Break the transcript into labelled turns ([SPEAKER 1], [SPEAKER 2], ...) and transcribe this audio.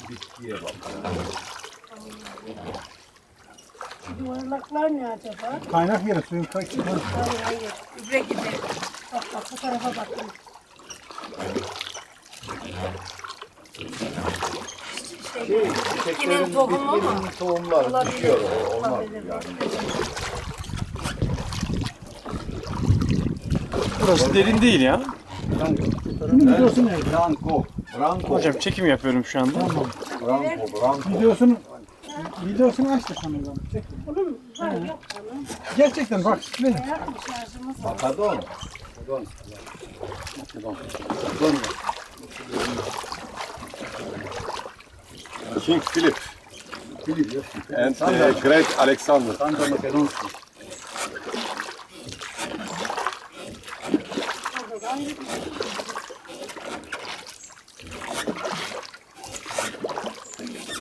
[SPEAKER 1] bitkiye bak.
[SPEAKER 2] Yuvarlaklar ne acaba?
[SPEAKER 3] Kaynak yeri suyun kaçtı.
[SPEAKER 2] Hayır hayır. Gübre gibi. Bak bak bu tarafa bakın. Bitkinin tohumu mu?
[SPEAKER 1] Bitkinin tohumları
[SPEAKER 2] Olabilir.
[SPEAKER 1] düşüyor. Olmaz
[SPEAKER 2] Olabilir.
[SPEAKER 1] yani.
[SPEAKER 4] Burası derin değil ya.
[SPEAKER 3] Bunun videosu ne?
[SPEAKER 1] Branko. Branko.
[SPEAKER 4] Hocam çekim yapıyorum şu anda.
[SPEAKER 1] Branko. Branko.
[SPEAKER 3] Videosunu açtı sanırım. Çek.
[SPEAKER 2] Bunun var yok bunun.
[SPEAKER 3] Gerçekten bak. Ne?
[SPEAKER 2] Hayatım şarjımız var.
[SPEAKER 1] Makadon.
[SPEAKER 5] King Philip
[SPEAKER 1] Philip.
[SPEAKER 5] and Great Alexander.
[SPEAKER 1] Santa Makedonski.